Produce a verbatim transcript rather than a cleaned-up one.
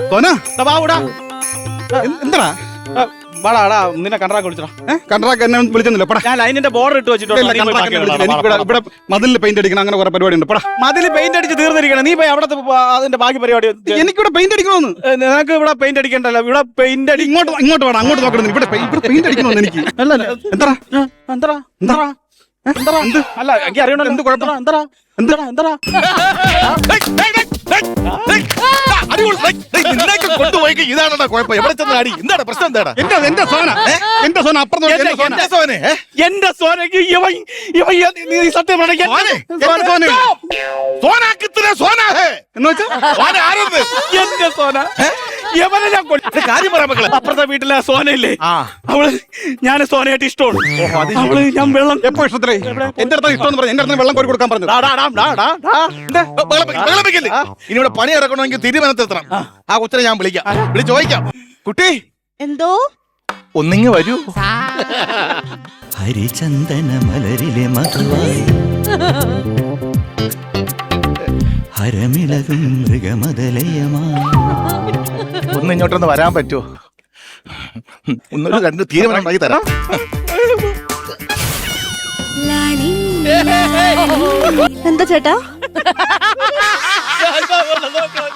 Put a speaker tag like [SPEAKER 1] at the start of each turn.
[SPEAKER 1] സോന
[SPEAKER 2] ബാബുടാ
[SPEAKER 1] എന്താ
[SPEAKER 2] വാടാ നിന്നെ കണ്ട്രാക്ക് വിളിച്ചടാ.
[SPEAKER 1] കണ്ട്രാക്ക് എന്നെ വിളിച്ചൊന്നുമില്ല പടാ.
[SPEAKER 2] ഞാൻ ലൈനിന്റെ ബോർഡർ ഇട്ട് വെച്ചിട്ടുണ്ട്.
[SPEAKER 1] ഇവിടെ മതിലിൽ പെയിന്റ് അടിക്കണം അങ്ങനെ കുറെ പരിപാടി ഉണ്ട് പടാ.
[SPEAKER 2] മതില് പെയിന്റ് അടിച്ച് തീർന്നിരിക്കണം. നീ പോയി അവിടത്തെ അതിന്റെ ബാക്കി പരിപാടി.
[SPEAKER 1] എനിക്കിവിടെ പെയിന്റ് അടിക്കണമെന്ന്.
[SPEAKER 2] നിനക്ക് ഇവിടെ പെയിന്റ് അടിക്കണ്ടല്ലോ. ഇവിടെ പെയിന്റ് അടി
[SPEAKER 1] ഇങ്ങോട്ട് ഇങ്ങോട്ട് വേണം അങ്ങോട്ട് നോക്കണം. ഇവിടെ ഇവിടെ പെയിന്റ് അടിക്കണമെന്ന് എനിക്ക്.
[SPEAKER 2] അല്ല
[SPEAKER 1] എന്താ
[SPEAKER 2] എന്താ എന്താ എന്താ അല്ല എനിക്ക് അറിയണല്ലോ. എന്ത് കുഴപ്പം? എന്താ എന്താ എന്താ
[SPEAKER 3] കൊണ്ടുപോയി ഇതാണ് കുഴപ്പം. എവിടെ ചെന്ന് അടി? എന്താണ് പ്രശ്നം? എന്താടാ
[SPEAKER 1] എന്റെ എന്റെ സോന എന്റെ സോന അപ്പുറം
[SPEAKER 3] സോനെ
[SPEAKER 2] എന്റെ സോനക്ക് ഇവൻ ഇവൻ നീ സത്യം
[SPEAKER 1] എന്ന് വെച്ചാ
[SPEAKER 2] എന്റെ സോന യവനെ ഞാൻ
[SPEAKER 3] കാര്യം പറയാൻ മക്കളെ.
[SPEAKER 2] അപ്പുറത്തെ വീട്ടിലെ സോനയില്ലേ, അവള് ഞാൻ സോനയായിട്ട് ഇഷ്ടമാണ്. അവള് ഞാൻ വെള്ളം
[SPEAKER 1] എപ്പോ ഇഷ്ടത്തിലേ എന്റെ അടുത്ത് ഇഷ്ടം പറഞ്ഞു. എന്റെ അടുത്ത് വെള്ളം കോരി കൊടുക്കാൻ പറഞ്ഞു.
[SPEAKER 3] ഇനി ഇവിടെ പണി ഇറക്കണമെങ്കിൽ തീരുമാനത്തിലെത്തണം. ആ കൊച്ചിനെ ഞാൻ വിളിക്കാം, വിളിച്ച് ചോദിക്കാം. കുട്ടി
[SPEAKER 4] എന്തോ
[SPEAKER 3] ഒന്നിങ്ങ് വരൂ.
[SPEAKER 5] ഹരിചന്ദന മലരിലെ മധുവായി ഹരമിളകും മൃഗമതലയമായി
[SPEAKER 3] ഒന്ന് ഇങ്ങോട്ടൊന്ന് വരാൻ പറ്റുമോ? ഒന്നൊരു രണ്ട് തീരുമാനം ഉണ്ടാക്കി തരാം.
[SPEAKER 4] എന്താ ചേട്ടാ